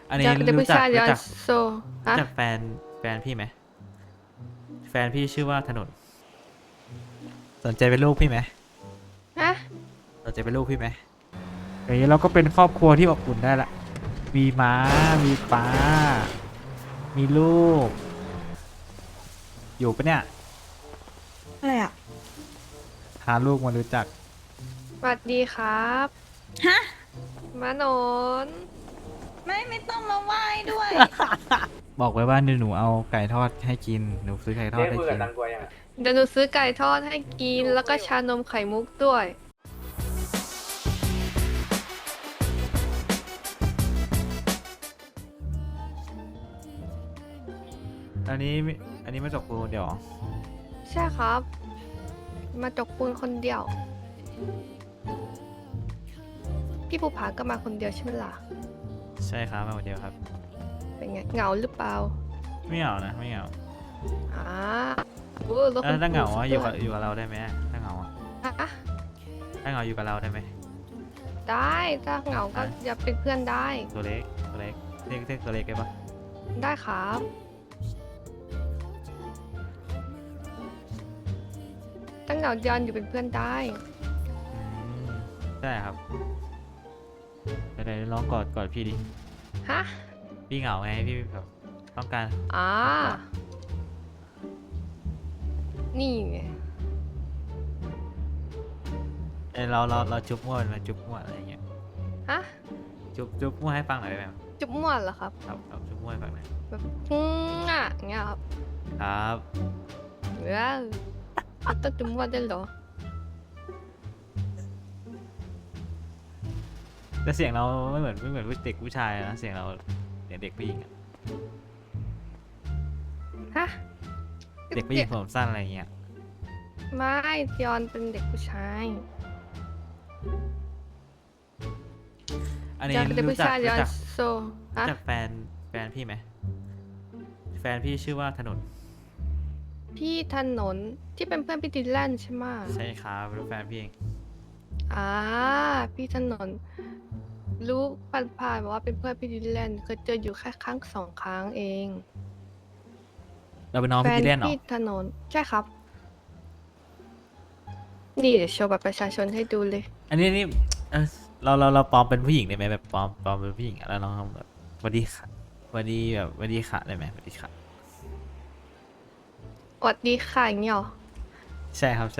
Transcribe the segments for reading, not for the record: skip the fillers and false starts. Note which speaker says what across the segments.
Speaker 1: อันนี้
Speaker 2: จากเด็ก
Speaker 1: รู้
Speaker 2: ผู้
Speaker 1: จัก
Speaker 2: ชาย
Speaker 1: รู้
Speaker 2: ย้อน
Speaker 1: จัก
Speaker 2: โซ
Speaker 1: รู้
Speaker 2: ฮะ
Speaker 1: จักแฟนพี่ไหมแฟนพี่ชื่อว่าถนนสนใจเป็นลูกพี่ไหม
Speaker 2: ฮะ
Speaker 1: สนใจเป็นลูกพี่ไหมอย่างนี้เราก็เป็นครอบครัวที่อบอุ่นได้ละมีม้ามีป้ามีลูกอยู่ปะเนี่ย
Speaker 3: อะไรอ่ะ
Speaker 1: พาลูกมารู้จัก
Speaker 2: สวัสดีครับ
Speaker 3: ฮะ
Speaker 2: มาโนน
Speaker 3: ไม่ต้องมาไหว้ด้วย
Speaker 1: บอกไว้ว่าหนูเอาไก่ทอดให้กินหนูซื้อไก่ทอดให้กิน
Speaker 2: เดี๋ยวหนูซื้อไก่ทอดให้กิน แล้วก็ชานมไข่มุกด้วย
Speaker 1: อันนี้ไม่จบกูเดี๋ยวเหรอ
Speaker 2: ใช่ครับ มาจกปูนคนเดียว พี่ภูผาก็มาคนเดียวใช่ไหมล่ะ
Speaker 1: ใช่ครับมาคนเดียวครับ
Speaker 2: เป็นไงเหงาหรือเปล่า
Speaker 1: ไม่เหงานะไม่เหงา
Speaker 2: อ่าโอ้รถ
Speaker 1: ถ้าเหงา
Speaker 2: สุด
Speaker 1: อะอยู่กับเราได้ไหมถ้าเหงาอะ
Speaker 2: อ่ะ
Speaker 1: ถ้าเหงาอยู่กับเราได้ไหม
Speaker 2: ได้ถ้าเหงาก็อย่าเป็นเพื่อนได้
Speaker 1: ตัวเล็กเรียกตัวเล็กได้ปะ
Speaker 2: ได้ครับถ้าเหงาย้อนอยู่เป็นเพื่อนได้
Speaker 1: ได้ครับไหนๆร้องกอดพี่ดิ
Speaker 2: ฮะ
Speaker 1: พี่เหงาไงพี่แบบต้องการ
Speaker 2: อ่า นี่ไง
Speaker 1: เราจุ๊บมั่วเป็นไหมจุ๊บมั่วอะไรอย่างเงี้ย
Speaker 2: ฮะ
Speaker 1: จุ๊บมั่วให้ฟังหน่อยได้ไหม
Speaker 2: จุ๊บม่วนเหรอครับ
Speaker 1: ครับจุ๊บมั่วให้ฟังหน่อย
Speaker 2: แบบอย่างเงี้ยครับ
Speaker 1: ครับ
Speaker 2: ว้าวต้องจุ๊บม่วนได้วยเหรอ
Speaker 1: แต่เสียงเราไม่เหมือนเด็กผู้ชายนะเสียงเราเด็กผู้หญิงอะ
Speaker 2: ฮะ
Speaker 1: เด็กผู้หญิงผมสั้นอะไรอย่างเงี้ย
Speaker 2: ไม่ยอนเป็นเด็กผู้ชาย
Speaker 1: อันนี้
Speaker 2: ยอนเป็นเด็ก
Speaker 1: รู้
Speaker 2: ผู้
Speaker 1: จัก
Speaker 2: ชายยอนโซ ฮะ
Speaker 1: รู้จักแฟนพี่ไหมแฟนพี่ชื่อว่าถนน
Speaker 2: พี่ถนนที่เป็นเพื่อนพี่ดิลแลนใช่ไหมะ
Speaker 1: ใช่ครับเป็นแฟนพี่เอง
Speaker 2: อ่า พี่ถนน รู้ผ่านๆบอกว่าเป็นเพื่อนพี่ดิลแลนเคยเจออยู่แค่ครั้ง2 ครั้งเอง
Speaker 1: เราเป็นน้อง
Speaker 2: แฟ
Speaker 1: พี่
Speaker 2: น
Speaker 1: ที่เล่นเหรอ
Speaker 2: พี่ถนน ใช่ครับ นี่เดี๋ยวโชว์บัตรประชาชนให้ดูเลย
Speaker 1: อันนี้เออเราปลอมเป็นผู้หญิงได้ไหมแบบปลอมเป็นผู้หญิงอะแล้วน้องทำแบบสวัสดีค่ะสวัสดีแบบสวัสดีค่ะได้ไหมสวัสดีค่ะ
Speaker 2: สวัสดีค่ะอย่างเงี้ยหรอ
Speaker 1: ใช่ครับใช่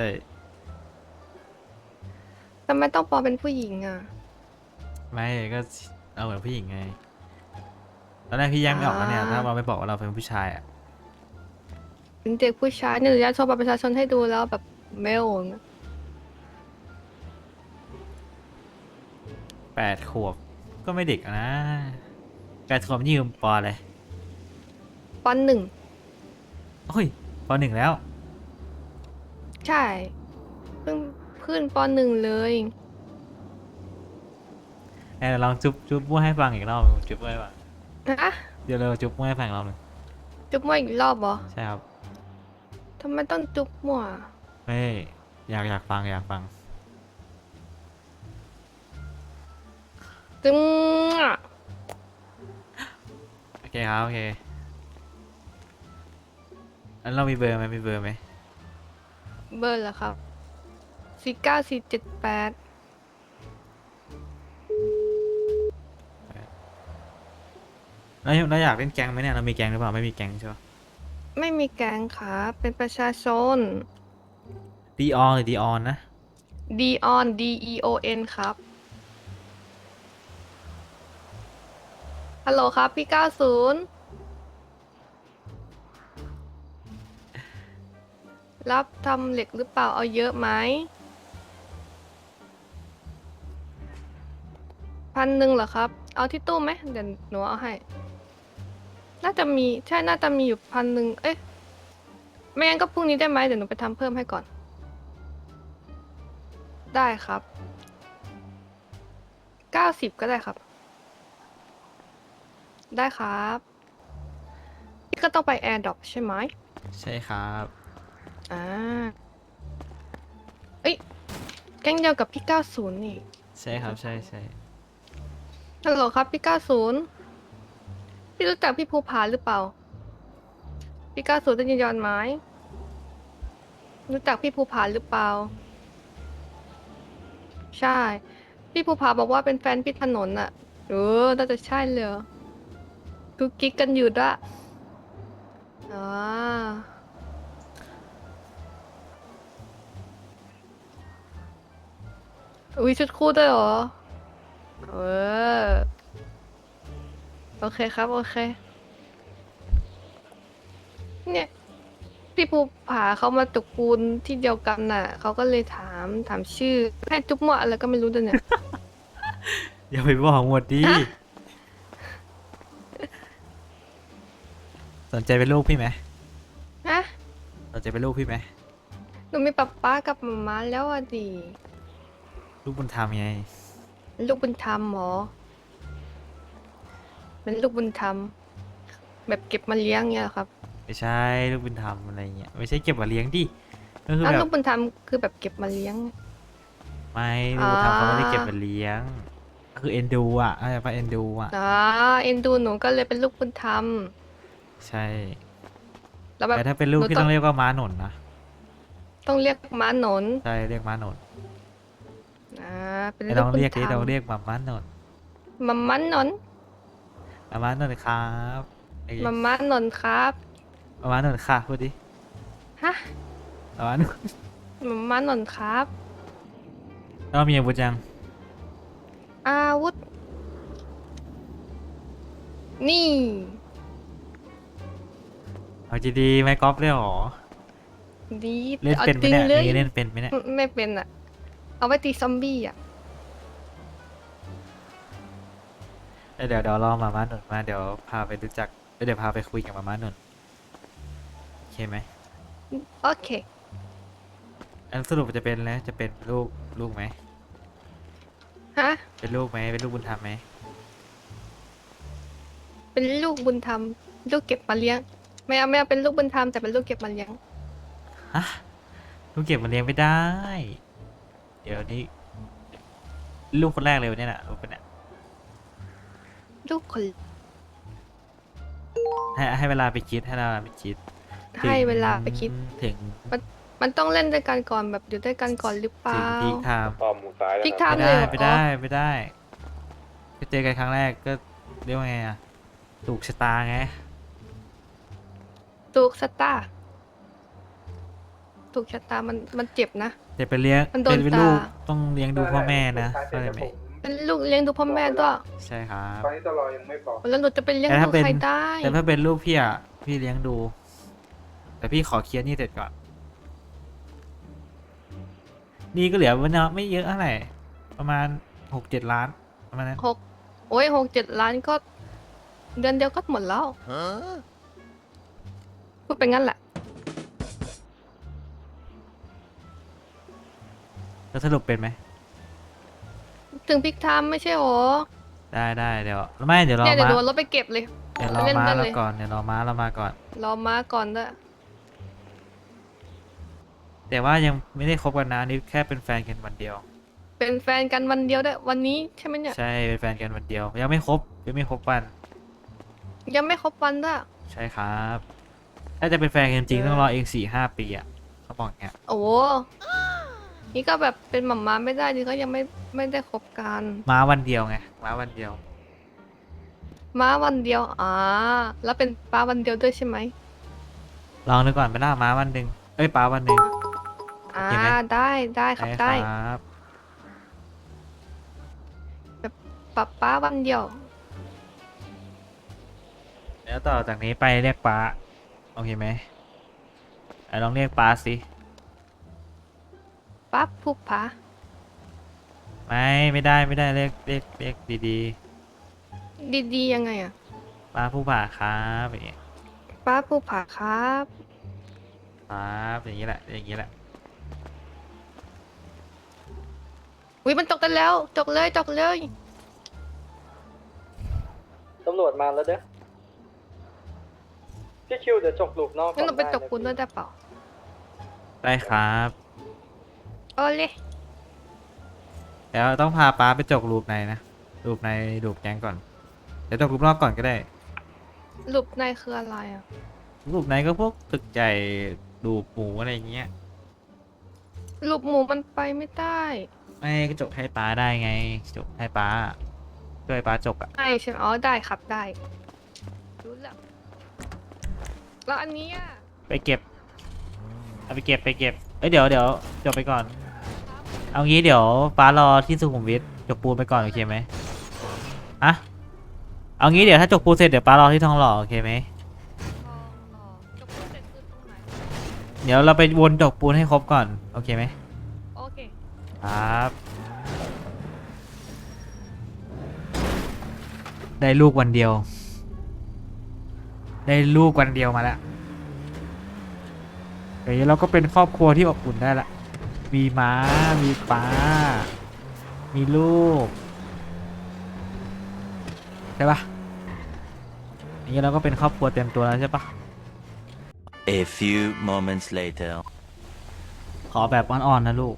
Speaker 2: ทำไมต้องปลอมเป็นผู้หญิงอ่ะ
Speaker 1: ไม่ก็เราเหมือนผู้หญิงไงตอนแรกพี่แยกไม่ออกนะเนี่ย
Speaker 2: อ่า
Speaker 1: ถ้าเราไม่บอกว่าเราเป็นผู้ชายอ่ะ
Speaker 2: เป็นเด็กผู้ชายเนี่ยหนูจะโชว์บัตรประชาชนให้ดูแล้วแบบเมลอย่างเงี้ย
Speaker 1: 8 ขวบก็ไม่เด็กอะนะ8 ขวบนี่ยืมปอเลย
Speaker 2: ปหนึ่ง
Speaker 1: โอ้ยป 1แล้ว
Speaker 2: ใช่เพิ่งขึ้นปหนึ่งเลย
Speaker 1: ไหนลองจุ๊บมั่วให้ฟังอีกรอบจุ๊บมั่วให้ฟัง
Speaker 2: ฮะ
Speaker 1: เดี๋ยวเราจุ๊บมั่วให้ฟังอีกรอบหนึง
Speaker 2: จุ๊บมั่วอีกรอบเหรอ
Speaker 1: ใช่ครับ
Speaker 2: ทำไมต้องจุ๊บมั่ว
Speaker 1: ไม่อยากฟัง
Speaker 2: จึงอ่ะ
Speaker 1: โอเคครับโอเคอันเรามีเบอร์ไหมมีเบอร์ไหม
Speaker 2: เบอร์เหรอครับ49478
Speaker 1: เราอยากเล่นแก๊งไหมเนี่ยเรามีแก๊งหรือเปล่าไม่มีแก๊งใช่ปะ
Speaker 2: ไม่มีแก๊งครับเป็นประชาชน
Speaker 1: ดีออนหรือดีออนนะ
Speaker 2: Deon DEON ครับ ฮัลโหลครับพี่90รับทำเหล็กหรือเปล่าเอาเยอะไหม1,000เหรอครับ เอาที่ตู้ไหมเดี๋ยวหนูเอาให้ น่าจะมีใช่น่าจะมีอยู่1,000เอ๊ะไม่งั้นก็พรุ่งนี้ได้ไหมเดี๋ยวหนูไปทำเพิ่มให้ก่อน ได้ครับ90ก็ได้ครับ ได้ครับพี่ก็ต้องไปแอร์ดรอปใช่ไหม
Speaker 1: ใช่ครับ
Speaker 2: อ่าเอ้ยแก๊งเดียวกับพี่90นี่
Speaker 1: ใช่ครับใช่
Speaker 2: ฮัลโหลครับพี่90 พี่รู้จักพี่ภูผาหรือเปล่าพี่ก้าวสู่ต้นยินยอนไหมรู้จักพี่ภูผาหรือเปล่าใช่พี่ภูผาบอกว่าเป็นแฟนพี่ถนนอะน่าจะใช่เลยกุ๊กกิ๊กกันอยู่ด้วยอ่าอุ้ยชุดคู่ด้วยเหรอเออโอเคครับโอเคเนี่ยพี่ภูผาเขามาตระกูลที่เดียวกันน่ะเขาก็เลยถามชื่อให้จุ๊บมั่วอะไรก็ไม่รู้ด้วยเนี่ย
Speaker 1: อย่าไปบอกหมดดิ
Speaker 2: ฮะ
Speaker 1: สนใจเป็นลูกพี่ไหม
Speaker 2: ฮะ
Speaker 1: สนใจเป็นลูกพี่ไหม
Speaker 2: หนูมีป๊ากับหมาม้าแล้วอ่ะดิ
Speaker 1: ลูกบุญธรรมไง
Speaker 2: ลูกบุญธรรมเหรอเป็นลูกบุญธรรมแบบเก็บมาเลี้ยงเงี้ยเหรอครับ
Speaker 1: ไม่ใช่ลูกบุญธรรมอะไรเงี้ยไม่ใช่เก็บมาเลี้ยงดิก็คือ
Speaker 2: แล้ว
Speaker 1: แบ
Speaker 2: ลู
Speaker 1: บ
Speaker 2: กบุญธรรมคือแบบเก็บมาเลี้ยง
Speaker 1: ไม่ลูกบุญธรรมเขาไม่ได้
Speaker 2: อ่า
Speaker 1: เก็บมาเลี้ยงก็คือเอ็นดูอ่ะอะไรปะเอ็นดูอ่ะ
Speaker 2: เอ็นดูหนูก็เลยเป็นลูกบุญธรรม
Speaker 1: ใช่
Speaker 2: แล้วแบบ
Speaker 1: แต่ถ้าเป็นลูก
Speaker 2: หนู
Speaker 1: พี่ต้องเรียกว่าม้าหนนนะ
Speaker 2: ต้องเรียกม้าหนน
Speaker 1: ใช่เรียกม้าหนน
Speaker 2: เป็น
Speaker 1: ไม่
Speaker 2: ลู
Speaker 1: ต้
Speaker 2: ก
Speaker 1: อง
Speaker 2: บุญ
Speaker 1: เรียก
Speaker 2: ธร
Speaker 1: ดิ
Speaker 2: รม
Speaker 1: ต้องเรียกมาม้าหนน
Speaker 2: มาม้าหนน
Speaker 1: มาม้าหนนครับไอ้
Speaker 2: มาม้าหนนครับ
Speaker 1: มาม้าหนนค่ะพูดดิ
Speaker 2: ฮะ
Speaker 1: มาม้าหนน
Speaker 2: มาม้าหนนครับ
Speaker 1: แล้วมีอาวุธยัง
Speaker 2: อาวุธ นี่
Speaker 1: เอาจีดีไหมก๊อฟเลยเหรอ
Speaker 2: ดี
Speaker 1: เล่นเป็นไหม
Speaker 2: อาจริง
Speaker 1: เนี่ย
Speaker 2: เลย
Speaker 1: นี่เล่นเป็นไหมเนี่ย
Speaker 2: ไม่เป็นอ่ะ เอาไว้ตีซอมบี้อ่ะ
Speaker 1: เดี๋ยวรอมาม้าหนนมาเดี๋ยวพาไปรู้จักเดี๋ยวพาไปคุยกับมาม้าหนนโอเคไหม
Speaker 2: โอเค
Speaker 1: อันสรุปจะเป็นแล้วจะเป็นลูกไหม
Speaker 2: ฮะ
Speaker 1: เป็นลูกไหมเป็นลูกบุญธรรมไหม
Speaker 2: เป็นลูกบุญธรรม ลูกเก็บมาเลี้ยง ไม่เอาเป็นลูกบุญธรรมแต่เป็นลูกเก็บมาเลี้ยง
Speaker 1: ฮะลูกเก็บมาเลี้ยงไม่ได้ เดี๋ยวนี้ลูกคนแรกเลยวันนี้แหละลูกเป็นเนี่ย
Speaker 2: ลูกคน
Speaker 1: ให้เวลาไปคิดให้เวลาไปคิด
Speaker 2: ให้เวลาไปคิด
Speaker 1: ถึง
Speaker 2: มันต้องเล่นด้วยกันก่อนแบบอยู่ด้วยกันก่อนหรือเป
Speaker 1: ถึ
Speaker 2: ล่า
Speaker 1: งพีคไทม์
Speaker 4: ต่อหมูซ้ายแล้ว
Speaker 2: พลิก
Speaker 4: ค
Speaker 2: ไท
Speaker 4: รับ
Speaker 2: ม์
Speaker 1: ไม่ได้ไม่ได้ไปเจอกันครั้งแรกก็เรียกว่าไงอะถูกชะตาไง
Speaker 2: ถูกชะตาถูกชะตามันเจ็บนะ
Speaker 1: แต่ไปเลี้ยง
Speaker 2: มันโดน
Speaker 1: เป็นลูก
Speaker 2: ตา
Speaker 1: ต้องเลี้ยงดูพ่อแม่นะเข้าใจไหม
Speaker 2: เป็นลูกเลี้ยงดูพ่อแม่ด้วย
Speaker 1: ใช่ครับ
Speaker 4: ตอนนี้ตลอยังไม่บอก
Speaker 2: แล้วหนูจะไปเลี้ยง
Speaker 1: แต่
Speaker 2: ดู
Speaker 1: ถ้าเป็น
Speaker 2: ใครได้
Speaker 1: แต่ถ้าเป็นลูกพี่อะพี่เลี้ยงดู แต่พี่ขอเคลียร์หนี่เสร็จก่อนนี่ก็เหลือวันไม่เยอะเท่าไหร่ประมาณ6-7 ล้านประมาณนั้น
Speaker 2: 6-7 ล้านก็ เดือนเดียวก็หมดแล้วพูดไปงั้นแหละ
Speaker 1: แล้วสรุปเป็นไหม
Speaker 2: ถึงพลิกไทม์ไม่ใช่หรอ
Speaker 1: ได้เดี๋ยวไม่เดี๋ยวรอ
Speaker 2: เนี่ยเดี๋ยว
Speaker 1: ม้า
Speaker 2: หนูเอารถไปเก็บเลย
Speaker 1: เดี๋ยวรอ
Speaker 2: เล่น
Speaker 1: ม้า
Speaker 2: กัน
Speaker 1: เรา
Speaker 2: เลย
Speaker 1: ก่อนเดี๋ยวรอม้าเรามาก่อน
Speaker 2: รอม้าก่อนด้วย
Speaker 1: แต่ว่ายังไม่ได้คบกันนะนี่แค่เป็นแฟนกันวันเดียว
Speaker 2: เป็นแฟนกันวันเดียวด้วยวันนี้ใช่ไหมเนี่ย
Speaker 1: ใช่เป็นแฟนกันวันเดียว ยังไม่คบวัน
Speaker 2: ยังไม่ครบวันด้วย
Speaker 1: ใช่ครับ ถ้าจะเป็นแฟนกันจริงต้องรอเอง4-5 ปีอ่ะเขาบอกอย่างเงี้ย
Speaker 2: โอ้โหนี่ก็แบบเป็นหม่าม้าไม่ได้ดิก็ยังไม่ได้คบกัน
Speaker 1: ม้าวันเดียวไงม้าวันเดียว
Speaker 2: ม้าวันเดียวแล้วเป็นป้าวันเดียวด้วยใช่ไหม
Speaker 1: ลองดูก่อนไปล่าม้าวันหนึ่งเอ้ยป้าวันหนึ่ง เห็นไหม
Speaker 2: ได้ครับได้
Speaker 1: ครับ
Speaker 2: ป้าวันเดียว
Speaker 1: แล้วต่อจากนี้ไปเรียกป้าโอเคไหมไอ้ลองเรียกป้าสิ
Speaker 2: ป้าผู้ผา
Speaker 1: ไม่ได้เรียกดี
Speaker 2: ดีๆยังไงอะ
Speaker 1: ๆป้าผู้ผ่าครับอย่างเงี้ย
Speaker 2: ป้าผู้ผาครับ
Speaker 1: ครับอย่างนี้แหละอย่างนี้แหละ
Speaker 2: อุ้ยมันจกกันแล้วจกเลย
Speaker 5: ตำรวจมาแล้วเด้อพี่คิวเดี๋ยวจกหลุมนอก
Speaker 2: งั้นหนูไป
Speaker 5: ด้ะ
Speaker 2: จกคุณด้วยได้เปล่า
Speaker 1: ได้ครับ
Speaker 2: โอ้เลย
Speaker 1: แล้วต้องพาป้าไปจกรูปในนะรูปในรูปแก๊งก่อนเดี๋ยวจกรูปนอกก่อนก็ได้
Speaker 2: รูปในคืออะไรอ่ะ
Speaker 1: รูปไหนก็พวกตึกใหญ่ดูหมูอะไรเงี้ย
Speaker 2: รูปหมูมันไปไม่ได้
Speaker 1: ไม่ก็จกให้ป้าได้ไงจกให้ป้าช่วยป้าจกอ่ะ
Speaker 2: ใช่ใช่ไหมอ๋อได้ครับได้รู้แล้วแล้วอันนี้อ่ะ
Speaker 1: ไปเก็บเอาไปเก็บเอ้ยเดี๋ยวจบไปก่อน เอางี้เดี๋ยวป้ารอที่สุขุมวิทจกปูนไปก่อนโอเคไหมอะเอางี้เดี๋ยวถ้าจกปูนเสร็จเดี๋ยวป้ารอที่ทองหล่อโอเคไหม
Speaker 2: ทองหล่อจะพูดเสร็จคือตรงไหน
Speaker 1: เดี๋ยวเราไปวนจกปูนให้ครบก่อนโอเคไหม
Speaker 2: โอเค
Speaker 1: ครับได้ลูกวันเดียว ได้ลูกวันเดียวมาแล้วเฮ้ยเราก็เป็นครอบครัวที่อบอุ่นได้ละมีม้ามีป้า มีลูกใช่ปะอย่างนี้เราก็เป็นครอบครัวเต็มตัวแล้วใช่ปะ
Speaker 4: A few moments later.
Speaker 1: ขอแบบอ่อนๆนะลูก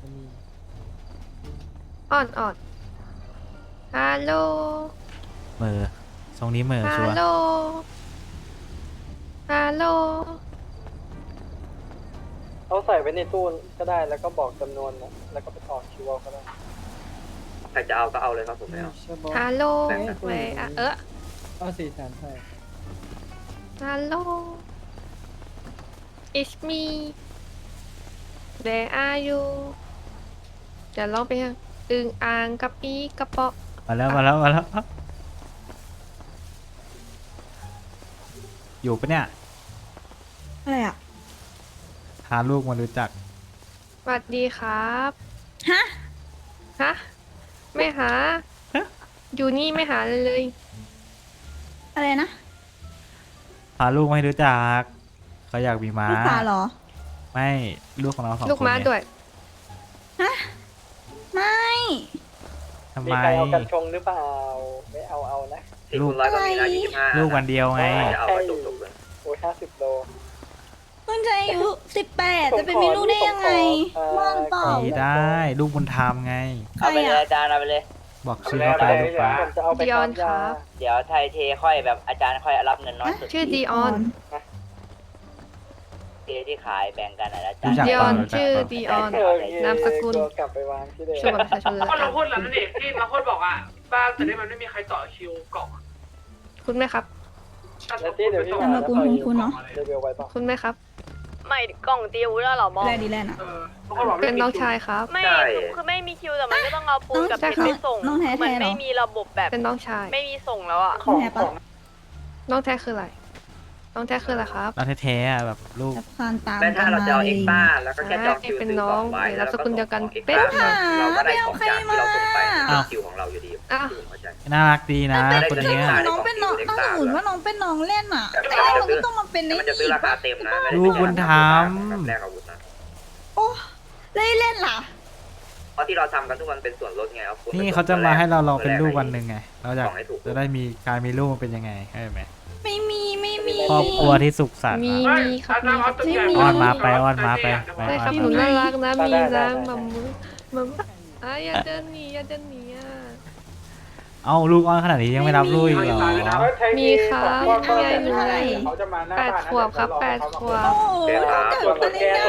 Speaker 2: อ่อนอ่อนฮัลโหล
Speaker 1: เหม่อทรงนี้เหม่อชั
Speaker 2: ฮั
Speaker 1: ว
Speaker 2: ล
Speaker 1: ร์
Speaker 2: โหลฮัลโหล
Speaker 5: เอาใส่ไว้ในตู้ก็ได้แล้วก็บอกจำนวนนะแล้วก็ไปต่อคิวเอาก็ได้
Speaker 6: ใครจะเอาก็เอาเลยครับผมไม่เอา
Speaker 2: ฮัลโหล
Speaker 6: แบ่งกัน
Speaker 2: เวอะ
Speaker 5: เอา400,000ใช่
Speaker 2: ฮัลโหล it's me where are you เดี๋ยวลองไปยังอึงอ่างกระปีกระเปาะ
Speaker 1: มาแล้วอยู่ปะเนี่ย
Speaker 3: อะไรอ่ะ
Speaker 1: พาลูกมารู้จัก
Speaker 2: สวัสดีครับ
Speaker 3: ฮะ
Speaker 2: ฮะ ไม่หา อยู่นี่ไม่หาเลย
Speaker 3: อะไรนะ
Speaker 1: พาลูกมาให้รู้จักเขาอยากมีม้า
Speaker 3: ลูกปลาเหรอ
Speaker 1: ไม่ลูกของเราสองคน
Speaker 2: ลูกม้า
Speaker 1: ไง
Speaker 2: ด้วย
Speaker 3: ไม่
Speaker 1: ทำ
Speaker 5: มี
Speaker 1: ไม
Speaker 5: ใครเอากันชงหรือเปล่าไม่เอานะ
Speaker 6: 4 คูณ 100ก็มีนะ25
Speaker 1: ลูกวันเดียวไง
Speaker 6: จะเอาก็จบเลย
Speaker 5: โอ้ย50 โล
Speaker 3: เพิ่งจะอายุ18 จะไปมีลูกได้ยังไง
Speaker 5: ผมขอ
Speaker 3: ว่างเปล่า
Speaker 1: มีได้ลูกบุญธรรมไง
Speaker 3: ใครอ่ะ
Speaker 7: อาจารย์เอาไปเลย
Speaker 1: บอกชื่อเขาไปลูกป้า
Speaker 5: ผมจะเอาไป
Speaker 2: ดิออน
Speaker 5: ทำ
Speaker 2: ครั
Speaker 5: ยา
Speaker 2: บ
Speaker 7: เดี๋ยวไทยเทค่อยแบบอาจารย์ค่อยรับเงินน้อยสุด
Speaker 2: ชื่อดีออน
Speaker 7: เทที่ขายแบ่งกันนะอาจาร
Speaker 1: รู้
Speaker 7: ย์
Speaker 1: จัก
Speaker 2: ดิอ
Speaker 1: เป
Speaker 2: อ
Speaker 1: ล่าน รู้จัก
Speaker 2: ชื่อ
Speaker 1: เปล่า
Speaker 2: ดีออน
Speaker 5: เออน
Speaker 2: ามสกุล
Speaker 5: ตัวกลับไปวางที่เดิม
Speaker 2: ชื่อบัตรประชาชนเลย
Speaker 8: ก็เราพูดแล้วนั่นเองที่มาพูดบอกอ่ะบ้านแต่นี่มันไม่มีใครต่อคิวกล่อง
Speaker 2: คุณไหมครับ
Speaker 5: แล้วที่เดี๋ยวพี่
Speaker 3: นามสกุลของคุณเนอะ
Speaker 5: เดี๋ยวไว้ป่ะ
Speaker 2: คุณไหมครับ
Speaker 9: ไม่กล่องตีอาวุธแล้วเหรอมอง
Speaker 3: แลดีแลนด์อ่ะ
Speaker 8: เออบางคนบอกไม่
Speaker 2: เป็น
Speaker 8: มี
Speaker 2: น้อง
Speaker 8: คิว
Speaker 2: ชายครับ
Speaker 9: ไม่
Speaker 6: ใช่
Speaker 9: คือไม่มีคิวแต่มันก็ต้องเอาปูนกับ
Speaker 3: ใช่
Speaker 9: เพชร
Speaker 3: ค่ะ
Speaker 9: ไปส่ง
Speaker 3: น้องแท้ๆ
Speaker 9: มัน
Speaker 3: เหรอ
Speaker 9: ไม่มีระบบแบบ
Speaker 2: เป็นน้องชาย
Speaker 9: ไม่มีส่งแล้วอ่ะ
Speaker 3: ของแท้ปะ
Speaker 2: น้องแท้คืออะไร น้องแท้คืออะไรครับ
Speaker 1: เราแท้ๆอะแบบลูก
Speaker 3: จะคานตาม
Speaker 6: แม้
Speaker 3: กั
Speaker 6: ถ้าน เรา
Speaker 3: มา
Speaker 6: จะเอา
Speaker 3: เล
Speaker 6: เอ็
Speaker 3: ย
Speaker 6: กซ์ต้าแล้วก็แค่จองคิว
Speaker 2: เป็น
Speaker 6: ซื้อ
Speaker 2: น้
Speaker 6: ก
Speaker 2: อ
Speaker 6: ล่อง งไว้
Speaker 2: นามสกุลเดียวกัน
Speaker 6: เอ็กซ์
Speaker 2: เป๊ะ
Speaker 6: ต้าเราก็ได้ของจากที่เราส่งไป
Speaker 1: อ้าว
Speaker 6: คิวของเราอยู่ดี
Speaker 2: อ้าว
Speaker 6: ที่ผมเข้าใจ
Speaker 1: น่ารักดีนะ
Speaker 6: ไม่ได้
Speaker 1: คน
Speaker 6: จะ
Speaker 1: เนี้ย
Speaker 6: ได้
Speaker 3: น้องเป็นน้องน้องสมุนว่าน้องเป็นน้องเล่นอ่ะ
Speaker 6: แต่
Speaker 3: ไอ้มันก็ต้องมาเป็น
Speaker 6: แต่
Speaker 3: ใน
Speaker 6: มันจะซื้อราคาเต็มนะไม่ได้
Speaker 1: ลูกบุญธรรม
Speaker 6: กับแลกอาวุธนะ
Speaker 3: โอ้ได้เล่นล่ะ
Speaker 6: เพราะที่เราทำกันทุกวันเป็นส่วนลดไงเอาคุณ
Speaker 1: นี่
Speaker 6: ไป
Speaker 1: เขาจะมาให้เราลองเป็นลูก
Speaker 6: แล
Speaker 1: วันหนึ่งไง เราอยาก
Speaker 6: ของให้ถูก
Speaker 1: จะได้มีการมีลูกมันเป็นยังไงใช่ไหม
Speaker 3: ไม่มีไม่มี
Speaker 1: ครอบครัวที่สุขสันต์
Speaker 2: มี
Speaker 1: อะ
Speaker 2: มีครับ
Speaker 8: อาจารย์เอาตึกใหญ่
Speaker 1: อ้อนมาไปอ้อนมาไป
Speaker 2: ใช่ครับหนูน่ารักนะ มีนะมัมมือมัมอ่ะอย่าเดินหนีอย่าเดินหนีอ่ะ
Speaker 1: เอ้าลูกอ้อนขนาดนี้ยังไม่รับลูกอีกเหรอ
Speaker 2: มีครับ
Speaker 3: มีอะไร
Speaker 2: มีอะไร
Speaker 5: เขาจะมาหน้า
Speaker 2: แปด
Speaker 5: บ้าน
Speaker 2: ขวบครับแปดขวบ
Speaker 3: โอ้เกิดอะไรเนี่ย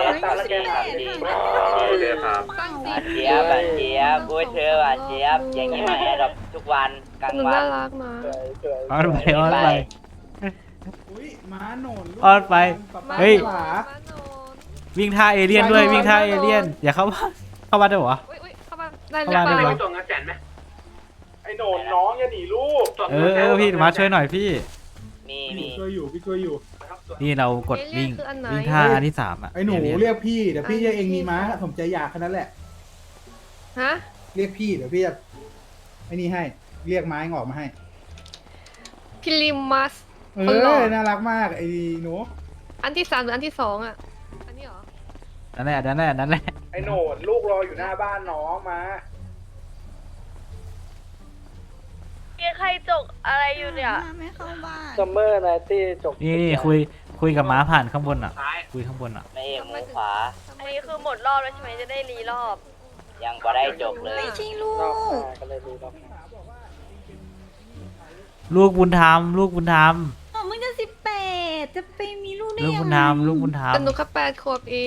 Speaker 6: โอเคครับ
Speaker 2: ตั้ง
Speaker 7: หวาน
Speaker 2: สิ
Speaker 7: เจี๊ยบหวานเจี๊ยบอุ้ยเธอหวานเจี๊ยบอย่างนี้มาแอร์ดรอปทุกวันกลาง
Speaker 2: หนู
Speaker 7: วั
Speaker 2: น่าน รักนะ
Speaker 5: สวย
Speaker 1: อ้อนไปอ้อนไป
Speaker 10: อุ้ยม้าโหนนลูก
Speaker 1: อ้อนไป
Speaker 10: ป๊า
Speaker 1: เฮ้ย
Speaker 10: หลา
Speaker 2: มาโนน
Speaker 1: วิ่งท่าเอเลี่ยนด้วยวิ่งท่าเอเลี่ยนอย่าเข้าบ้านเข้าบ้านได้เหรอ
Speaker 2: อุ้ยเข้ามาได้ห
Speaker 1: เข้า
Speaker 2: รือ
Speaker 1: มา
Speaker 2: เป
Speaker 1: ได้
Speaker 2: ล่า
Speaker 1: ไหม
Speaker 8: ไปตัวเงินแสนไหม
Speaker 10: ไอ้โหนนน้องอย่าหนีลูก
Speaker 8: ตัว
Speaker 1: เอ
Speaker 8: เงินแสน
Speaker 1: อพี่มาช่วยหน่อยพี่
Speaker 7: มี
Speaker 10: พี่
Speaker 7: มี
Speaker 10: ช่วยอยู่พี่ช่วยอยู่
Speaker 1: นี่เรากดวิ่งวิ่งท่าอันที่3อ่ะ
Speaker 10: ไอ้หนู
Speaker 1: เอลี่ย
Speaker 10: เรียกพี่เดี๋ยวพี่จะเองมีม้าผมใจอยากแค่นั้นแหละ
Speaker 2: ฮะ
Speaker 10: เรียกพี่เดี๋ยวพี่จะไอ้นี่ให้เรียกไม้งอกมาให้
Speaker 2: พิลิมัส
Speaker 10: เอ
Speaker 2: คนหล่อ
Speaker 10: อน่ารักมากไอ้หนู
Speaker 2: อันที่ 3หรืออันที่ 2อ่ะ อันนี้เหรอ
Speaker 1: นั่นแหละนั่นแหละ
Speaker 10: ไอ้โหนนลูกรออยู่หน้าบ้านน้องมา
Speaker 9: มีใครจกอะไรอยู่เนี่ย
Speaker 3: ไม่เข้าบ้าน
Speaker 5: ซัมเมอร์ไนตี้จบ
Speaker 1: นี่คุยกับม้าผ่านข้างบนอ่ะ
Speaker 8: ซ้าย
Speaker 1: คุยข้างบนอ่ะ
Speaker 7: ไม่เอกหมูขวา
Speaker 9: อันนี้คือหมดรอบแล้วใช่ไหมจะได้รีรอบ
Speaker 7: ยังบ่ได้จบเลย
Speaker 3: ไม่ใช่ลู
Speaker 5: นอก
Speaker 3: ก
Speaker 5: มาก็เลยดูรอบ
Speaker 1: ลูกบุญธรรมลูกบุญธรรม
Speaker 3: ไม่ได้
Speaker 1: ลูก
Speaker 3: ยั
Speaker 1: บุญ
Speaker 3: ง
Speaker 1: ธร
Speaker 3: ไง
Speaker 1: รมลูกบุญธรรม
Speaker 2: แต่หนูแค่8 ขวบเอง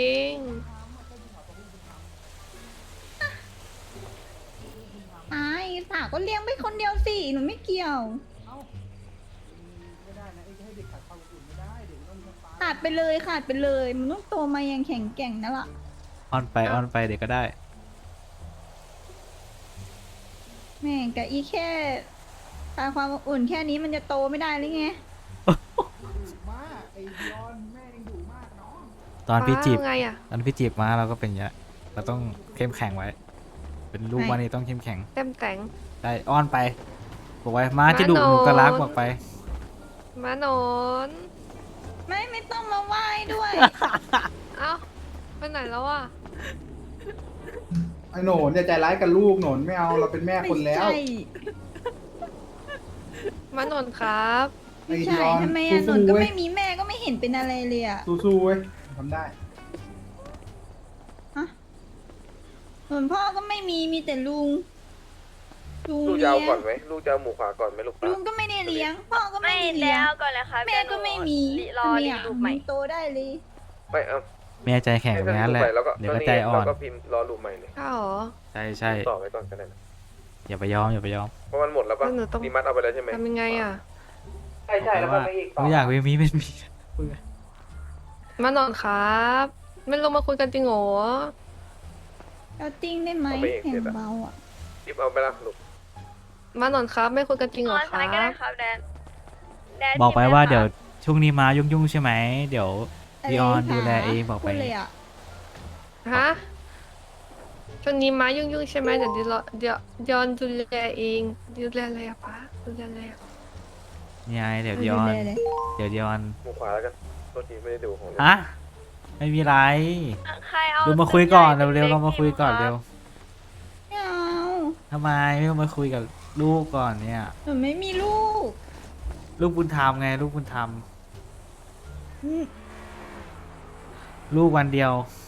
Speaker 3: ไอ้สาวก็เลี้ยงไปคนเดียวสิหนูไม่เกี่ยว
Speaker 10: ไม่ได้นะให้เด็กขาดความอุ่นไม่ได้เด็กต้องมีฟ้า
Speaker 3: ขาดไปเลยขาดไปเลยมันต้องโตมาอย่างแข็งแกร่งนั่นแหละ
Speaker 1: อ้อนไปเดี๋ยวก็ได้
Speaker 3: แม่งกับอีแค่ขาดความอุ่นแค่นี้มันจะโตไม่ได้หรือไง
Speaker 10: มากไอ้ยอนแม่ยังดุมากน้อง
Speaker 1: ตอนพี่จีบ
Speaker 2: ป้าไงอ่ะ
Speaker 1: ตอนพี่จีบมาเราก็เป็นอย่างเงี้ยเราต้องเข้มแข็งไว้ เป็นลูกว่านี่ต้องเข้มแข็ง
Speaker 2: เต็มแต่ง
Speaker 1: ได้อ้อนไปบอกไว้มาจะดุหนูก็รักบอกไป
Speaker 2: มาหนอน
Speaker 3: ไม่ต้องมาไหว้ด้วย
Speaker 2: เอ้าไปไหนแล้วอ่ะ
Speaker 10: ไอ้โหนนอย่าใจร้ายกับลูกโหนนไม่เอาเราเป็นแม่คนแล้ว
Speaker 3: ไม่ใช่
Speaker 2: มาหนอนครับ
Speaker 10: ไอ้
Speaker 3: ไม่
Speaker 10: ย
Speaker 3: ใช่
Speaker 10: อน
Speaker 3: ทำไมอะหน
Speaker 10: สู้
Speaker 3: น
Speaker 10: ๆ
Speaker 3: ก็
Speaker 10: เว้ย
Speaker 3: ไม่มีแม่ก็ไม่เห็นเป็นอะไรเลยอะ
Speaker 10: สู้ๆเว้ยทำได้
Speaker 3: ส่วนพ่อก็ไม่มีแต่ลุง
Speaker 6: ลูกจะ
Speaker 3: เลี้
Speaker 6: เอา
Speaker 3: ย
Speaker 6: ก่อง นไหมลูกจะเอาหมูขวาก่อนไหมลูก
Speaker 3: ลุงก็ไม่ได้เลี้ยง พ่อก็ไม่
Speaker 9: ไม่
Speaker 3: ได้เลี้ย
Speaker 9: แล้
Speaker 3: ง
Speaker 9: วก่อนเลยครับ
Speaker 3: แม่ก็ไม่มี
Speaker 9: รอ
Speaker 3: ทำไม
Speaker 9: รี
Speaker 3: อะ
Speaker 9: รูปใหม่
Speaker 3: มันโตได้เลย
Speaker 6: ไม่เอา
Speaker 1: แม่ใจแข็งอย่างนั้นแหละ
Speaker 6: แล้วก็
Speaker 1: เดี๋ยวก็ใจอ่อน
Speaker 6: เราก็พิมพ์รอรูปใหม่เลย
Speaker 2: ข้าวเหรอ
Speaker 1: ใช่
Speaker 6: ต่อไว้ก่อนก็ได้นะ
Speaker 1: อย่าไปยอม
Speaker 6: เพราะมันหมดแล้วปะ
Speaker 2: แล้วหนูต้อง
Speaker 6: ดีมัดเอาไปแล้วใช่ไหม
Speaker 2: ทำยังไงอ่ะ
Speaker 5: ใช่ใช่แล้วก็ไม่อีกต่อ
Speaker 1: ไม่อยากมีเป็นมี
Speaker 2: มาหนอนครับ ไม่ลงมาคุยกันจริงเหรอ
Speaker 3: เอาจริงได้ไหมแข่งเบาอะ
Speaker 6: รีบเอาไปละลูก
Speaker 2: มาหนอนครับ ไม่คุยกันจริงเหรอค
Speaker 9: ซ้า
Speaker 2: รั
Speaker 9: ยก็ได้
Speaker 2: บ
Speaker 9: ครับแดนแดน
Speaker 1: บอกไป
Speaker 9: พิมพ์
Speaker 1: ว่า
Speaker 9: ลค่ะ
Speaker 1: เดี๋ยวช่วงนี้มายุ่งๆใช่ไหมเดี๋ยว
Speaker 3: ะไร
Speaker 1: พี่ออน
Speaker 3: คะ
Speaker 1: ดูแลเองบอกไป
Speaker 3: พูดเลยอะ
Speaker 2: ฮะช่วงนี้ม้ายุ่งๆใช่ไหมเดี๋ยวย้อนดูแลเองดูแลอะไรอะป้าดูแลอะไรอะ
Speaker 1: นี่ไงเดี๋ยว
Speaker 3: ดู
Speaker 1: ย้อน
Speaker 3: แลเลย
Speaker 1: เดี๋ยวย้อน
Speaker 6: หมูขวาแล้วกันโทษทีไม่ได้ดูของ
Speaker 1: ฮะไม่มีไร
Speaker 9: ใครเอา
Speaker 1: ดูมาคุยก่อน
Speaker 9: ตัวใหญ่
Speaker 1: เร็วๆ
Speaker 9: ล็
Speaker 1: เรา
Speaker 9: กๆ
Speaker 1: มาคุยก่อน
Speaker 9: พิ
Speaker 1: เร็
Speaker 9: ม
Speaker 1: ว
Speaker 9: พ์
Speaker 3: ไม่เอา
Speaker 1: ทำไมไม่มาคุยกับลูกก่อนเนี่ย
Speaker 3: หนูไม่มีลูก
Speaker 1: ลูกบุญธรรมไงลูกบุญธรรม
Speaker 3: อืม
Speaker 1: ลูกวันเดียว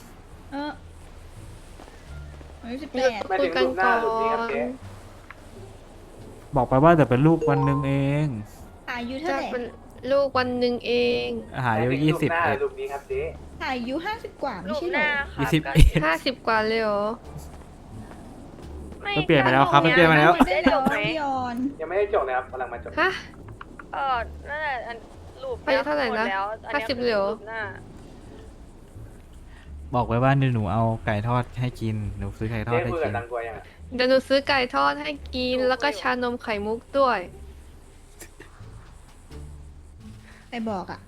Speaker 3: อายุ18
Speaker 5: ไม่ถึงรูปหน้ารูปนี้ครับเจ๊
Speaker 1: บอกไปว่าแต่เป็นลูกวันหนึ่งเอง
Speaker 3: อายุเท่า
Speaker 2: จะ
Speaker 3: ไหร่
Speaker 2: เป็นลูกวันหนึ่งเอง
Speaker 1: อาหารเดียว
Speaker 5: ไม่ถึง
Speaker 1: 20
Speaker 5: รูปหน้า
Speaker 1: เอ็ด
Speaker 5: รูปนี้ครับเจ๊
Speaker 3: อายุ50 กว่าไม่
Speaker 9: รูป
Speaker 3: ใช่
Speaker 9: ห
Speaker 3: เหร
Speaker 9: น้า
Speaker 3: อ
Speaker 9: ค่ะ
Speaker 1: 20
Speaker 9: ก็
Speaker 1: เอ็ด
Speaker 2: 50 กว่าเลยเหรอ
Speaker 9: ไม่
Speaker 1: มันเปลี่ยนไปแล้วครับมันเปลี่ยนไปแล้ว
Speaker 3: ได้แล้วพี่ออน
Speaker 5: ยังไม่ได้จบนะครับกำลังมาจบ
Speaker 2: ฮะ
Speaker 9: นั่นแหละอันรูป
Speaker 2: อายุเท่าไหร่นะ
Speaker 9: มดแล้วอันนี้ย
Speaker 2: 50เหรอ
Speaker 9: รูปหน้า
Speaker 1: บอกไว้ว่าหนูเอาไก่ทอดให้กินหนูซื้อไก่ทอ
Speaker 5: เจ๊
Speaker 1: ดให้
Speaker 5: คุย
Speaker 1: กิ
Speaker 5: กับ
Speaker 1: น
Speaker 5: ตังกวยยังอะ
Speaker 2: เดี๋ยวหนูซื้อไก่ทอดให้กิน แล้วก็ชานมไข่มุกด้วย
Speaker 3: ไปบอกอ่ะ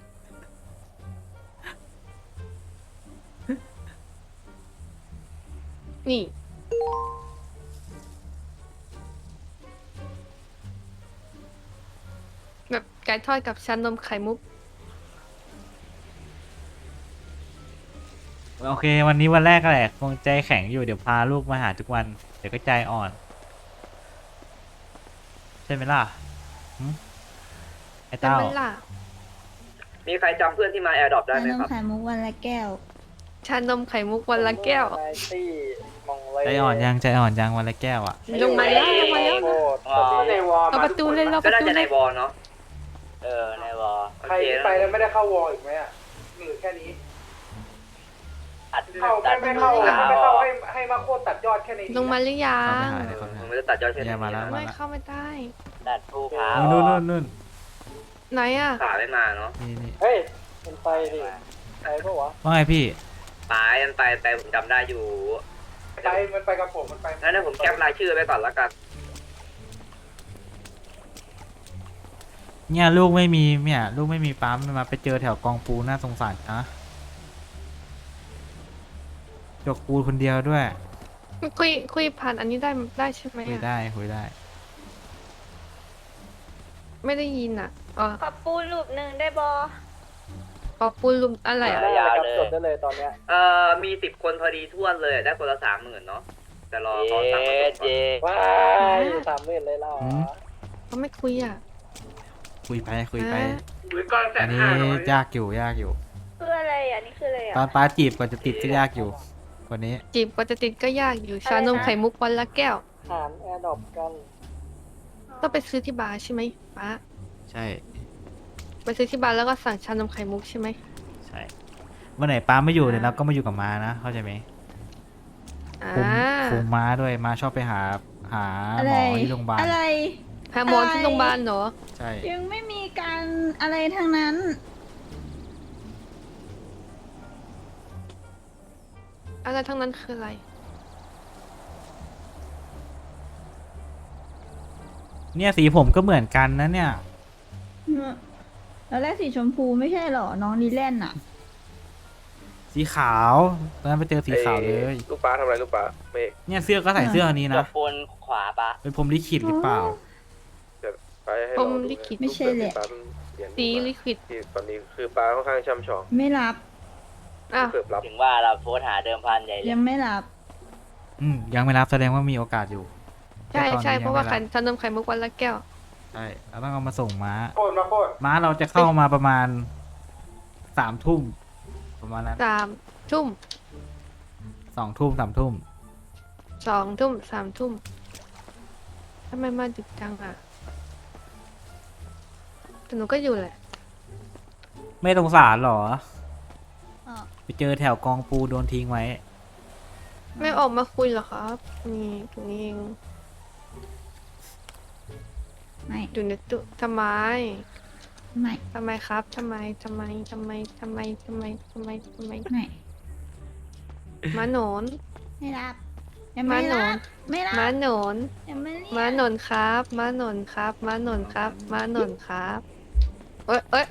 Speaker 2: นี่ แบบไก่ทอดกับชานมไข่มุก
Speaker 1: โอเค วันนี้วันแรกแหละคงใจแข็งอยู่เดี๋ยวพาลูกมาหาทุกวัน เดี๋ยวก็ใจอ่อน ใช่ไหมล่ะหึไอ้
Speaker 2: แต่
Speaker 1: เต้า
Speaker 2: มันล่ะ
Speaker 6: มีใครจำเพื่อนที่มาแอร์ดรอปได้
Speaker 3: ชา
Speaker 6: ไหม
Speaker 3: นม
Speaker 6: ครับ
Speaker 3: ไข่มุกวันละแก้ว
Speaker 2: ชานมไข่มุกวันละแก้ว
Speaker 5: ไนตี้มองเล
Speaker 1: ใจอ่อนยังใจอ่อนยังวันละแก้วอ่ะ
Speaker 2: ลงมาแล้วลงมาแล้ว
Speaker 5: โคตรในวอล
Speaker 2: เราประตูเลยเราป
Speaker 6: ก็
Speaker 2: ระ
Speaker 6: น่า
Speaker 2: ตู
Speaker 6: จะ
Speaker 2: เล
Speaker 6: ใน
Speaker 2: ยว
Speaker 6: อลเนาะ
Speaker 7: ในวอ
Speaker 5: ใครไปแล้วไม่ได้เข้าวอลอีกไหมอ่ะหรือแค่นี้
Speaker 7: ตัด
Speaker 5: เข้า
Speaker 7: ตัด
Speaker 5: ไม่เข้าไม่เข้าให้มาโคตรตัดยอดแค่นี้
Speaker 2: ลงมาหรือยั
Speaker 1: เข้าไป
Speaker 2: ง
Speaker 1: หาเลยเขา
Speaker 6: มันจะตัดยอดแค่นี้
Speaker 1: เนี่ยมาแล้ว
Speaker 2: ไม่เข้าไม่ได้
Speaker 7: ตัดภูผา
Speaker 1: นู่นนู่นนู่น
Speaker 2: ไหนอ่ะ
Speaker 6: ป่าไม่มาเนาะ
Speaker 1: นี่
Speaker 5: เฮ้ยมันไปดิไปปะวะ
Speaker 1: ว่าไงพี่
Speaker 6: ป่ามันไปผมจำได้อยู่
Speaker 5: ไปมันไปกับผมมันไป
Speaker 6: งั้นผมแคปรายชื่อไว้ก่อนละกัน
Speaker 1: เนี่ยลูกไม่มีเนี่ยลูกไม่มีปั๊มมาไปเจอแถวกองปูน่าสงสารนะจกปูคนเดียวด้วย
Speaker 2: คุยผ่านอันนี้ได้ใช่ไหม
Speaker 1: คุย
Speaker 2: อ่ะ
Speaker 1: ได้คุยได้
Speaker 2: ไม่ได้ยินอ่ะอ๋อ
Speaker 9: ขอปูรูปหนึ่งได้บอ
Speaker 2: ปอปูลุมอะไรอ่ะ
Speaker 5: ได้เลยครับจดได้เลยตอนเนี้ย
Speaker 6: มี10 คนพอดีท่วนเลยได้คนละ 30,000เนาะแต่รอเขา
Speaker 7: เจ
Speaker 6: สั่งมาส่งก่อน
Speaker 5: ว้าย30,000เลยเหรอ
Speaker 1: อืม
Speaker 2: เขาไม่คุยอ่ะ
Speaker 1: คุยไปคุยไป
Speaker 2: ฮะ
Speaker 8: หรือก่อนแส
Speaker 1: อั
Speaker 8: น
Speaker 1: นนี้
Speaker 8: ห้าร้อย
Speaker 1: ยากอยู่ยากอยู่
Speaker 9: คืออะไรอ่ะนี่คืออะไรอ่ะ
Speaker 1: ตอนป้าจีบกว่าจะติดก็ยากอยู่วันนี้
Speaker 2: จีบกว่าจะติดก็ยากอยู่ ชานมไข่มุกวันละแก้ว
Speaker 5: หารแอร์ดรอปกัน
Speaker 2: ต้องไปซื้อที่บาร์ใช่ไหมป้า
Speaker 1: ใช่
Speaker 2: ไปซื้อที่บาร์แล้วก็สั่งชานมไข่มุกใช่ไหม
Speaker 1: ใช่วันไหนป้าไม่อยู่เดี๋ยวเราก็มาอยู่กับม้านะเข้าใจไหม
Speaker 2: อ่า
Speaker 1: คุมม้าด้วยม้าชอบไปหา
Speaker 3: อะ
Speaker 1: หม
Speaker 3: ไร
Speaker 1: อที่โรงพยาบาล
Speaker 3: อะไร
Speaker 2: หาหมอที่โรงพยาบาลเหรอ
Speaker 1: ใช่
Speaker 3: ยังไม่มีการอะไรทั้งนั้น
Speaker 2: อะไรทั้งนั้นคืออะไร
Speaker 1: เนี่ยสีผมก็เหมือนกันนะเนี่ย
Speaker 3: แล้วแรกสีชมพูไม่ใช่เหรอ น้องดีแลนด์อ่ะ
Speaker 1: สีขาวตอนนั้นไปเจอสีขาวเลย
Speaker 11: ลูกป้าทำอะไรลูกป้าเมฆ
Speaker 1: เนี่ยเสื้อก็ใส่เสื้ออันนี้
Speaker 7: จ
Speaker 1: นะ
Speaker 7: บปูนขวาปะ
Speaker 1: เป็นผมลิขิตหรือเปล่า
Speaker 11: ไปให้
Speaker 2: พร
Speaker 11: เรา
Speaker 2: หม
Speaker 11: ดู
Speaker 2: ลิขิต
Speaker 3: ไม่ใช่แหละ
Speaker 11: ป้าเป็นเหรียญ
Speaker 2: สีลิควิด
Speaker 11: ที่ตอนนี้คือป้าค่อนข้างช่ำชอง
Speaker 3: ไม่รับ
Speaker 2: อ้าว
Speaker 11: เกือบรับ
Speaker 7: ถึงว่าเราโพสต์หาเดิมพันใหญ่เลย
Speaker 3: ยังไม่รับ
Speaker 1: ยังไม่รับแสดงว่ามีโอกาสอยู่
Speaker 2: ใช่
Speaker 1: แต่ตอนนี้
Speaker 2: ใช่เพราะว่า
Speaker 1: ยัง
Speaker 2: ไข่
Speaker 1: ไม่บ
Speaker 2: ชานมไข่มุกวันละแก้ว
Speaker 1: ใช่เราต้องเอามาส่งม้า
Speaker 5: โคตรมาโคตร
Speaker 1: ม้าเราจะเข้ามาประมาณ3 ทุ่มประมาณนั้น
Speaker 2: 3 ทุ่ม
Speaker 1: 2 ทุ่ม3 ทุ่ม
Speaker 2: 2 ทุ่ม 3 ทุ่มทำไมมาดึกจังอ่ะแต่หนูก็อยู่แหละ
Speaker 1: ไม่สงสารหรอ
Speaker 3: อ๋อ
Speaker 1: ไปเจอแถวกองปูโดนทิ้งไว้
Speaker 2: ไม่ออกมาคุยเหรอครับนี่ตรงนี้เอง
Speaker 3: ไม่
Speaker 2: อยู่ในตู้ทำไม
Speaker 3: ไม่
Speaker 2: ทำไมครับทำไมทำไมทำไมทำไมทำไมทำไมทำไม
Speaker 3: ไม่
Speaker 2: ม้าหนอน
Speaker 3: ไม่รับยังไม่รับ ไม่รับ
Speaker 2: ม้าหนอน
Speaker 3: ยังไม่เรียก
Speaker 2: ม้าหนอนครับม้าหนอนครับม้าหนอนครับม้าหนอนครับเอ้ยเอ้ย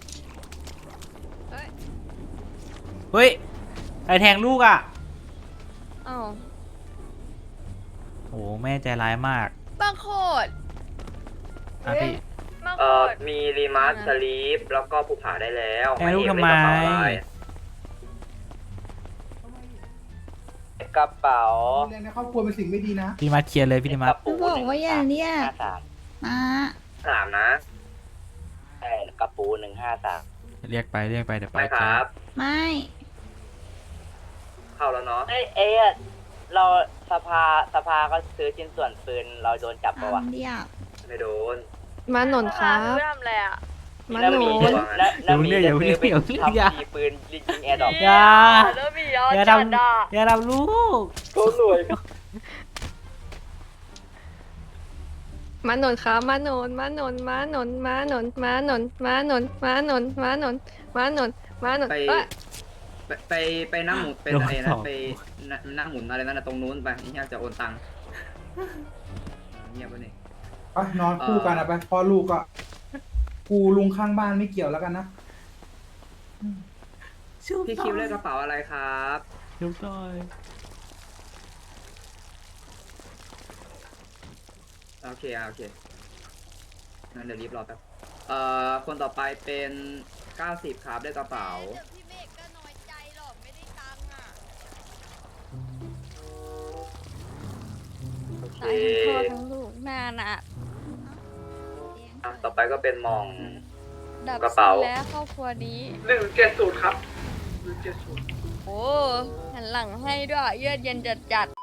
Speaker 1: เฮ้ยใครแทงลูกอ่ะ
Speaker 9: อ้าว
Speaker 1: โอ้แม่ใจร้ายมาก
Speaker 9: บางโคตร
Speaker 1: อ่ะพี่
Speaker 9: บางโคตร
Speaker 6: มีรีมาร์สลีปแล้วก็ภูผาได้แล้ว
Speaker 1: แทงลูกทำไม
Speaker 7: กระเป๋า
Speaker 10: เรื่องในครอบครัวเป็นสิ่งไม่ดีนะ
Speaker 1: พี่มาเคลียร์เลยพี่มา
Speaker 7: กระปู
Speaker 3: บอกว่าอย่าเรียก
Speaker 7: 153
Speaker 3: มา
Speaker 6: 3 นะ
Speaker 7: ใช่กระปู153
Speaker 1: เรียกไปเดี๋ยว
Speaker 6: ไป
Speaker 1: ไป
Speaker 6: ครับ
Speaker 3: ไม่
Speaker 6: เข้าแล้วเนาะ
Speaker 7: เอ้ยเราสภาก็ซื้อชิ้นส่วนปืนเราโดนจับปะวะ
Speaker 3: เรียก
Speaker 6: ไม่โดน
Speaker 2: ม้าหนอนครับ
Speaker 9: หนูทำอะไรอ่ะ
Speaker 2: ม้า
Speaker 7: แล้ว
Speaker 2: หน
Speaker 7: มี
Speaker 2: อน
Speaker 7: แล้วมีจะซื้อไปทำทีปืนยิงแอร์ดรอป
Speaker 1: อย่า
Speaker 9: แล้วมีเอา
Speaker 1: อย่า
Speaker 9: จัด
Speaker 1: ทำ
Speaker 9: อ่ะ
Speaker 1: อย่าทำลูก
Speaker 5: เขารวย
Speaker 2: ม้าหนอนครับม้าหนอนม้าหนอนม้าหนอนม้าหนอนม้าหนอนม้าหนอนม้าหนอนม้าหนอนม้าหนอนม้าหนอน
Speaker 6: ไป
Speaker 2: เอ้ย
Speaker 6: ไปนั่งหมุนเป็นอะไรนะไปนั่งหมุนอะไรนั่นนะตรงนู้นไปนี่อยากจะโอนตังค์เงียบไปนี่
Speaker 10: ไปนอนคู่กันอะไปพ่อลูกก็กูลุงข้างบ้านไม่เกี่ยวแล้วกันนะ
Speaker 6: พี่คิวเลขกระเป๋าอะไรครับ
Speaker 1: ชุบหน่อย
Speaker 6: โอเคงั้นเดี๋ยวรีบรอแป๊บคนต่อไปเป็น90ครับเลขกระเป๋า
Speaker 9: เดี๋ยวพี่เมฆก็น้อยใจหรอกไม่ได้ตังค์อ่ะ
Speaker 6: โอเค
Speaker 9: ตายทั้งพ่อทั้งลูกหน้าหนัก
Speaker 6: ต่อไปก็เป็นมอง
Speaker 9: ดับ
Speaker 6: กระเป๋า
Speaker 9: สิ้นแล้วครอบครัวนี้
Speaker 8: 170 ครับ 170
Speaker 9: โอ้หันหลังให้ด้วยเยือกเย็นจัด